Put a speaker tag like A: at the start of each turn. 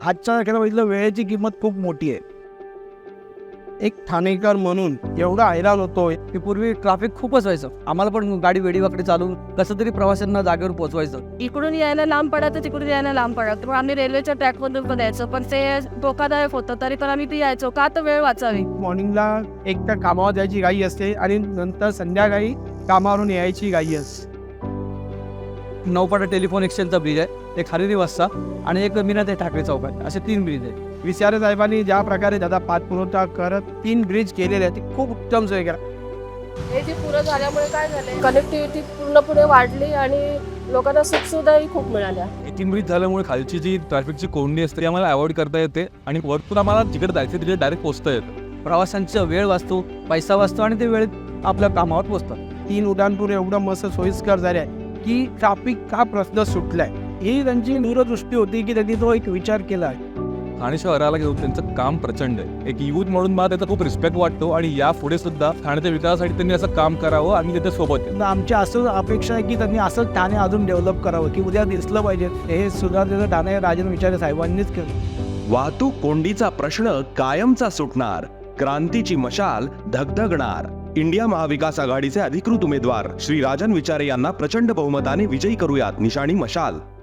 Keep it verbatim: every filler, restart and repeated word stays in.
A: आजच्या तारखेला बघितलं वेळेची किंमत खूप मोठी आहे. एक ठाणेकर म्हणून एवढा हैराण होतोय
B: की पूर्वी ट्रॅफिक खूपच व्हायचं. आम्हाला पण गाडी वेडीवाकडे चालून कसं तरी प्रवाशांना जागेवर पोहोचवायचं.
C: इकडून यायला लांब पडायचं, तिकडून यायला लांब पडायचं. मग आम्ही रेल्वेच्या ट्रॅकमधून पण यायचो, पण ते धोकादायक होतं. तरी पण आम्ही ती यायचो का, तर वेळ वाचावी.
A: मॉर्निंगला एक तर कामावर जायची घाई असते आणि नंतर संध्याकाळी कामावरून यायची घाई असते.
B: नौपाडा टेलिफोन एक्सचेंजचा ब्रिज आहे, एक हरिरी वस्ता आणि एक मीना ते ठाकरे चौकात, असे तीन ब्रिज आहे.
A: विचारे साहेबांनी ज्या प्रकारे त्याचा पाठपुरवठा करत तीन ब्रिज केलेले आहेत ते खूप उत्तम सोय केला.
C: हे जे पुरं झाल्यामुळे काय झाले, कनेक्टिव्हिटी पूर्णपणे वाढली आणि लोकांना सुखसुविधाही खूप मिळाल्या.
D: तीन ब्रिज झाल्यामुळे खालची जी ट्रॅफिकची कोंडी असते ती आम्हाला अवॉइड करता येते आणि वरतून आम्हाला जिकडे जायचं तिकडे डायरेक्ट पोहोचता येतं.
B: प्रवाशांचा वेळ वाचतो, पैसा वाचतो आणि ते वेळेत आपल्या कामावर पोहोचतात.
A: तीन उड्डाणपूर एवढं मस्त सोयीस्कर झाले आहे की ट्रॅफिक का प्रश्न सुटलाय ही त्यांची दूरदृष्टी होती की त्यांनी तो एक विचार केला आहे.
D: ठाणे शहराला घेऊन त्यांचं काम प्रचंड आहे. एक युथ म्हणून मला त्याचा खूप रिस्पेक्ट वाटतो आणि यापुढे सुद्धा ठाण्याच्या विकासासाठी त्यांनी असं काम करावं आणि त्याच्या सोबत आहे.
A: तर आमची असं अपेक्षा आहे की त्यांनी असं ठाणे अजून डेव्हलप करावं की उद्या दिसलं पाहिजे. हे सुद्धा त्याचं ठाणे राजेंद्र विचारे साहेबांनीच केलं.
E: वाहतूक कोंडीचा प्रश्न कायमचा सुटणार, क्रांतीची मशाल धगधगणार. इंडिया महाविकास आघाडीचे अधिकृत उमेदवार श्री राजन विचारे यांना प्रचंड बहुमताने विजयी करूयात. निशाणी मशाल.